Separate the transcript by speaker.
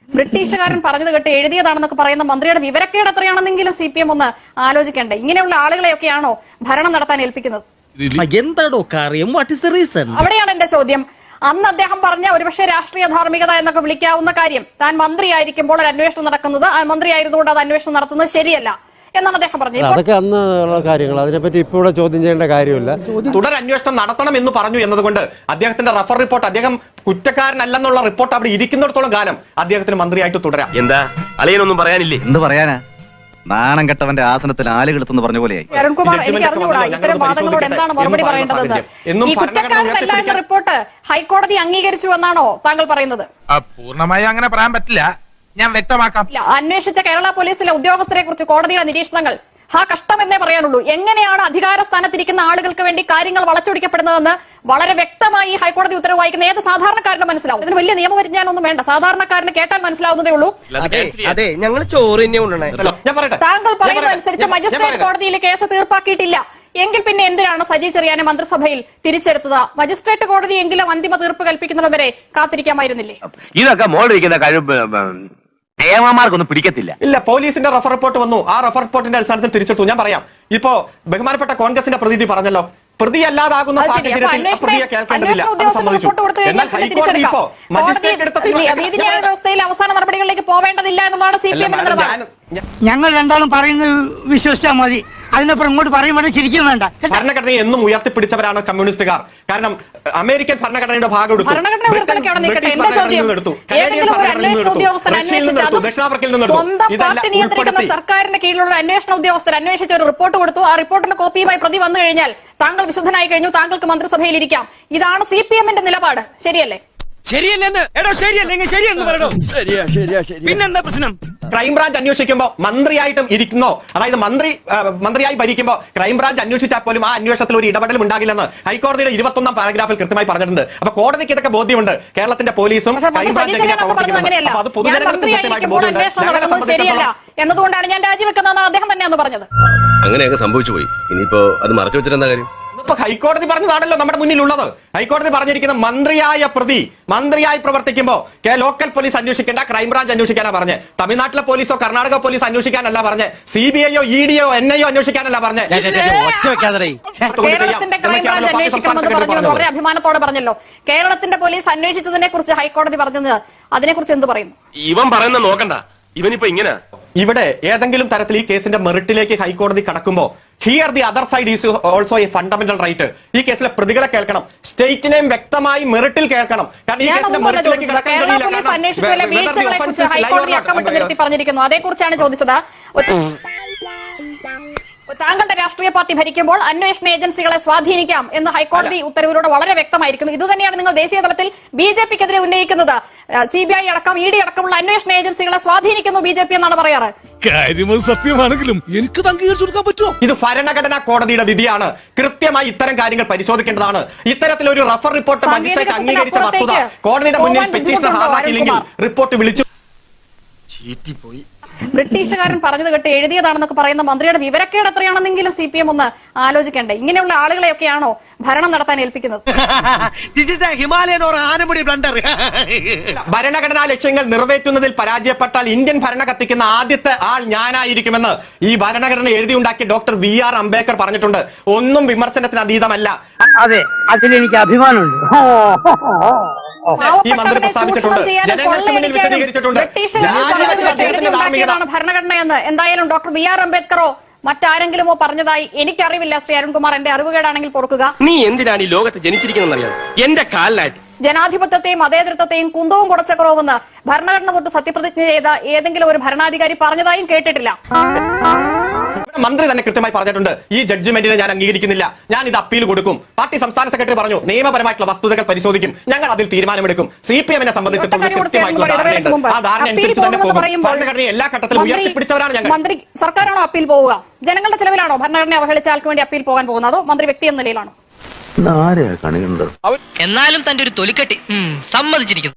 Speaker 1: ബ്രിട്ടീഷുകാരൻ പറഞ്ഞത് കേട്ട് എഴുതിയതാണെന്നൊക്കെ പറയുന്ന മന്ത്രിയുടെ വിവരക്കേട് എത്രയാണെന്നെങ്കിലും CPM ഒന്ന് ആലോചിക്കണ്ടേ? ഇങ്ങനെയുള്ള ആളുകളെയൊക്കെയാണോ ഭരണം നടത്താൻ ഏൽപ്പിക്കുന്നത്?
Speaker 2: എന്താണോ കാര്യം? What is the reason?
Speaker 1: അവിടെയാണ് എന്റെ ചോദ്യം. അന്ന് അദ്ദേഹം പറഞ്ഞ ഒരുപക്ഷെ രാഷ്ട്രീയ ധാർമ്മികത എന്നൊക്കെ വിളിക്കാവുന്ന കാര്യം, താൻ മന്ത്രിയായിരിക്കുമ്പോൾ ഒരു അന്വേഷണം നടക്കുന്നത്, ആ മന്ത്രിയായിരുന്നുകൊണ്ട് അത് അന്വേഷണം നടത്തുന്നത് ശരിയല്ല എന്നാണ് അദ്ദേഹം പറഞ്ഞത്.
Speaker 3: അതൊക്കെ അന്ന് ഉള്ള കാര്യങ്ങൾ, അതിനെപ്പറ്റി ഇപ്പോൾ ചോദ്യം ചെയ്യേണ്ട കാര്യമില്ല.
Speaker 4: തുടർ അന്വേഷണം നടത്തണം എന്ന് പറഞ്ഞു എന്നതുകൊണ്ട് അദ്ദേഹത്തിന്റെ റഫർ റിപ്പോർട്ട്, അദ്ദേഹം കുറ്റക്കാരനല്ലെന്നുള്ള റിപ്പോർട്ട് അവിടെ ഇരിക്കുന്നിടത്തോളം കാലം അദ്ദേഹത്തിന് മന്ത്രിയായിട്ട് തുടരാം.
Speaker 5: എന്താ അളിയനൊന്നും പറയാനില്ലേ?
Speaker 6: എന്ത് പറയാനാ? നാണം കെട്ടവന്റെ ആസനത്തിൽ ആലുകളെന്ന് പറഞ്ഞ പോലെയായി.
Speaker 1: അരുൺകുമാർ, എനിക്ക് അറിഞ്ഞുകൂടാ ഇത്തരം വാദങ്ങളോട് എന്താണ് മറുപടി പറയേണ്ടതെന്ന്. ഈ കുറ്റക്കാരനല്ല എന്ന റിപ്പോർട്ട് ഹൈക്കോടതി അംഗീകരിച്ചു എന്നാണോ താങ്കൾ പറയുന്നത്?
Speaker 7: പൂർണ്ണമായി അങ്ങനെ പറയാൻ പറ്റില്ല, ഞാൻ വ്യക്തമാക്കാം.
Speaker 1: അന്വേഷിച്ച കേരള പോലീസിലെ ഉദ്യോഗസ്ഥരെ കുറിച്ച് കോടതിയുടെ നിരീക്ഷണങ്ങൾ കഷ്ടം എന്നേ പറയാനുള്ളൂ. എങ്ങനെയാണ് അധികാര സ്ഥാനത്തിരിക്കുന്ന ആളുകൾക്ക് വേണ്ടി കാര്യങ്ങൾ വളച്ചൊടിക്കപ്പെടുന്നതെന്ന് വളരെ വ്യക്തമായി ഹൈക്കോടതി ഉത്തരവ് വായിക്കുന്ന ഏത് സാധാരണക്കാരനും മനസ്സിലാവും. ഇതിന് വലിയ നിയമപരിജ്ഞാനൊന്നും വേണ്ട, സാധാരണക്കാരന് കേട്ടാൽ മനസ്സിലാവുന്നതേ ഉള്ളൂ.
Speaker 5: അതെ, ഞങ്ങൾ ചോറ് തന്നെ കൊണ്ടുവന്നേ.
Speaker 1: താങ്കൾ പറയുന്നതനുസരിച്ച് മജിസ്ട്രേറ്റ് കോടതിയിൽ കേസ് തീർപ്പാക്കിയിട്ടില്ല എങ്കിൽ പിന്നെ എന്തിനാണ് സജി ചെറിയാനെ മന്ത്രിസഭയിൽ തിരിച്ചെടുത്തത്? മജിസ്ട്രേറ്റ് കോടതി എങ്കിലും അന്തിമ തീർപ്പ് കൽപ്പിക്കുന്നതുവരെ കാത്തിരിക്കാമായിരുന്നില്ലേ?
Speaker 5: ഇതൊക്കെ മോളിരിക്കുന്ന കഴിവ് ഏമാർക്കൊന്നും പിടിക്കത്തില്ല.
Speaker 4: ഇല്ല, പോലീസിന്റെ റഫർ റിപ്പോർട്ട് വന്നു, ആ റഫർ റിപ്പോർട്ടിന്റെ അടിസ്ഥാനത്തിൽ തിരിച്ചെടുത്തു. ഞാൻ പറയാം, ഇപ്പോ ബഹുമാനപ്പെട്ട കോൺഗ്രസിന്റെ പ്രതിനിധി പറഞ്ഞല്ലോ, പ്രതിയല്ലാതാകുന്ന സാഹചര്യത്തിൽ പ്രതിയെ കേൾക്കേണ്ടതില്ല, അത് സമ്മതിച്ചു. എന്നാൽ ഹൈക്കോടതി ഇപ്പോ മജിസ്ട്രേറ്റ് എടുത്ത
Speaker 1: നീതിന്യായ വ്യവസ്ഥയിൽ അവസാന നടപടികളിലേക്ക് പോവേണ്ടതില്ല എന്നുള്ളതാണ് CPM നിലപാട്.
Speaker 8: ഞങ്ങൾ രണ്ടാളും പറയുന്നത് വിശ്വസിച്ചാൽ മതി, അതിനപ്പുറം ഇങ്ങോട്ട് പറയുമ്പോൾ ശരിക്കും വേണ്ട.
Speaker 4: ഭരണഘടനയെ എന്നും ഉയർത്തിപ്പിടിച്ചവരാണ് കമ്മ്യൂണിസ്റ്റുകാർ. കാരണം അമേരിക്കൻ ഭരണഘടനയുടെ ഭാഗം എടുത്തു,
Speaker 1: സർക്കാരിന്റെ കീഴിലുള്ള അന്വേഷണ ഉദ്യോഗസ്ഥർ അന്വേഷിച്ച ഒരു റിപ്പോർട്ട് കൊടുത്തു. ആ റിപ്പോർട്ടിന്റെ കോപ്പിയുമായി പ്രതി വന്നു കഴിഞ്ഞാൽ താങ്കൾ വിശുദ്ധനായി കഴിഞ്ഞു, താങ്കൾക്ക് മന്ത്രിസഭയിൽ ഇരിക്കാം. ഇതാണ് CPMന്റെ നിലപാട്. ശരിയല്ലേ?
Speaker 2: ശരിയല്ലെന്ന് ശരിയല്ലെങ്കിൽ ശരിയെന്ന് പറയണോ? പിന്നെന്താ പ്രശ്നം?
Speaker 4: ക്രൈംബ്രാഞ്ച് അന്വേഷിക്കുമ്പോൾ മന്ത്രിയായിട്ടും ഇരിക്കുന്നോ, അതായത് മന്ത്രിയായി ഭരിക്കുമ്പോൾ ക്രൈംബ്രാഞ്ച് അന്വേഷിച്ചാൽ പോലും ആ അന്വേഷണത്തിൽ ഒരു ഇടപെടലും ഉണ്ടാകില്ലെന്ന് ഹൈക്കോടതിയുടെ 21ാം പാരഗ്രാഫിൽ കൃത്യമായി പറഞ്ഞിട്ടുണ്ട്. അപ്പൊ കോടതിക്ക് ഇതൊക്കെ ബോധ്യമുണ്ട്, കേരളത്തിന്റെ പോലീസും
Speaker 1: ശരിയല്ല എന്നതുകൊണ്ടാണ് ഞാൻ രാജിവെക്കുന്നതെന്ന് അദ്ദേഹം തന്നെയാണ് പറഞ്ഞത്.
Speaker 5: അങ്ങനെയൊക്കെ സംഭവിച്ചു പോയി, ഇനിയിപ്പോ അത് മറച്ചു വെച്ചിട്ടെന്താ കാര്യം?
Speaker 4: ഇപ്പൊ ഹൈക്കോടതി പറഞ്ഞതാണല്ലോ നമ്മുടെ മുന്നിലുള്ളത്. ഹൈക്കോടതി പറഞ്ഞിരിക്കുന്ന മന്ത്രിയായ പ്രതി മന്ത്രിയായി പ്രവർത്തിക്കുമ്പോ ലോക്കൽ പോലീസ് അന്വേഷിക്കേണ്ട, ക്രൈംബ്രാഞ്ച് അന്വേഷിക്കാനാ പറഞ്ഞ്. തമിഴ്നാട്ടിലെ പോലീസോ കർണാടക പോലീസ് അന്വേഷിക്കാനല്ല പറഞ്ഞ്, CBIയോ EDയോ NIO അന്വേഷിക്കാനല്ല പറഞ്ഞ്.
Speaker 1: കേരളത്തിന്റെ ക്രൈംബ്രാഞ്ച് അന്വേഷിക്കണമെന്ന് പറഞ്ഞു, വളരെ അഭിമാനത്തോടെ പറഞ്ഞല്ലോ. കേരളത്തിന്റെ പോലീസ് അന്വേഷിച്ചതിനെ കുറിച്ച് ഹൈക്കോടതി പറഞ്ഞത്, അതിനെ കുറിച്ച് എന്ത് പറയുന്നു?
Speaker 5: ഇവൻ പറയുന്ന നോക്കണ്ട, ഇവനിപ്പോ ഇങ്ങനെ.
Speaker 4: ഇവിടെ ഏതെങ്കിലും തരത്തിൽ ഈ കേസിന്റെ മെറിറ്റിലേക്ക് ഹൈക്കോടതി കടക്കുമ്പോ here the other side is also a fundamental right. ഈ കേസിലെ പ്രതികളെ കേൾക്കണം, സ്റ്റേറ്റിനെയും വ്യക്തമായി മെറിറ്റിൽ കേൾക്കണം. കാരണം ഈ കേസിന്റെ മെറിറ്റിലേക്ക് കടക്കാൻ
Speaker 1: പറഞ്ഞിരിക്കുന്നു, അതേക്കുറിച്ചാണ് ചോദിച്ചത്. താങ്കളുടെ രാഷ്ട്രീയ പാർട്ടി ഭരിക്കുമ്പോൾ അന്വേഷണ ഏജൻസികളെ സ്വാധീനിക്കാം എന്ന് ഹൈക്കോടതി ഉത്തരവിലൂടെ വളരെ വ്യക്തമായിരിക്കുന്നു. ഇത് തന്നെയാണ് നിങ്ങൾ ദേശീയ തലത്തിൽ BJPക്കെതിരെ ഉന്നയിക്കുന്നത്. CBI അടക്കം ED അടക്കമുള്ള അന്വേഷണ ഏജൻസികളെ സ്വാധീനിക്കുന്നു BJP എന്നാണ് പറയാറ്.
Speaker 2: കാര്യം സത്യമാണെങ്കിലും എനിക്ക് അംഗീകരിച്ചു കൊടുക്കാൻ പറ്റുമോ?
Speaker 4: ഇത് ഭരണഘടനാ കോടതിയുടെ വിധിയാണ്, കൃത്യമായി ഇത്തരം കാര്യങ്ങൾ പരിശോധിക്കേണ്ടതാണ്. ഇത്തരത്തിലൊരു റഫർ റിപ്പോർട്ട് മജിസ്ട്രേറ്റ് അംഗീകരിച്ച വസ്തുത കോടതിയുടെ മുന്നിൽ പെറ്റീഷണർ ഹാജരാക്കിയില്ലെങ്കിൽ റിപ്പോർട്ട് വിളിച്ചു.
Speaker 1: ബ്രിട്ടീഷുകാരൻ പറഞ്ഞത് കേട്ട് എഴുതിയതാണെന്നൊക്കെ പറയുന്ന മന്ത്രിയുടെ വിവരക്കേട് എത്രയാണെന്നെങ്കിലും CPM ഒന്ന് ആലോചിക്കണ്ടേ? ഇങ്ങനെയുള്ള ആളുകളെയൊക്കെയാണോ ഭരണം നടത്താൻ ഏൽപ്പിക്കുന്നത്?
Speaker 4: ഭരണഘടനാ ലക്ഷ്യങ്ങൾ നിറവേറ്റുന്നതിൽ പരാജയപ്പെട്ടാൽ ഇന്ത്യൻ ഭരണ കത്തിക്കുന്ന ആദ്യത്തെ ആൾ ഞാനായിരിക്കുമെന്ന് ഈ ഭരണഘടന എഴുതിയുണ്ടാക്കിയ ഡോക്ടർ VR അംബേദ്കർ പറഞ്ഞിട്ടുണ്ട്. ഒന്നും വിമർശനത്തിന് അതീതമല്ല.
Speaker 8: അതെ, അതിലെനിക്ക് അഭിമാനമുണ്ട്.
Speaker 4: ഈ മന്ത്രി പ്രസ്താവിച്ചിട്ടുണ്ട്, ജനങ്ങൾക്ക് മുന്നിൽ വിശദീകരിച്ചിട്ടുണ്ട്.
Speaker 1: ഭരണഘടന എന്ന് എന്തായാലും ഡോക്ടർ VR അംബേദ്കറോ മറ്റാരെങ്കിലുമോ പറഞ്ഞതായി എനിക്കറിവില്ല. ശ്രീ അരുൺകുമാർ, എന്റെ അറിവുകേടാണെങ്കിൽ പൊറുക്കുക.
Speaker 5: നീ എന്തിനാണ് ഈ ലോകത്ത് ജനിച്ചിരിക്കുന്നറിയാം? എന്റെ കാലിലായിട്ട്
Speaker 1: ജനാധിപത്യത്തെയും മതേതരത്വത്തെയും കുന്തവും കുടച്ച കുറവെന്ന് ഭരണഘടന തൊട്ട് സത്യപ്രതിജ്ഞ ചെയ്ത ഏതെങ്കിലും ഒരു ഭരണാധികാരി പറഞ്ഞതായും കേട്ടിട്ടില്ല.
Speaker 4: മന്ത്രി തന്നെ കൃത്യമായി പറഞ്ഞിട്ടുണ്ട്, ഈ ജഡ്ജ്മെന്റിനെ ഞാൻ അംഗീകരിക്കുന്നില്ല, ഞാൻ ഇത് അപ്പീൽ കൊടുക്കും. പാർട്ടി സംസ്ഥാന സെക്രട്ടറി പറഞ്ഞു, നിയമപരമായിട്ടുള്ള വസ്തുതകൾ പരിശോധിക്കും, ഞങ്ങൾ അതിൽ തീരുമാനമെടുക്കും. CPMനെ സംബന്ധിച്ചിടത്തോളം എല്ലാ ഘട്ടത്തിലും ഉയർത്തിപ്പിടിച്ചവരാണ് ഞങ്ങൾ.
Speaker 1: മന്ത്രി സർക്കാരാണോ അപ്പീൽ പോവുക? ജനങ്ങളുടെ ചെലവിലാണോ ഭരണഘടന അവഹേളിച്ച ആൾക്ക് വേണ്ടി അപ്പീൽ പോകാൻ പോകുന്നത്, അതോ മന്ത്രി വ്യക്തി എന്ന നിലയിലാണോ?
Speaker 6: എന്നാലും തന്റെ ഒരു തൊലിക്കെട്ടി സമ്മതിച്ചിരിക്കുന്നു.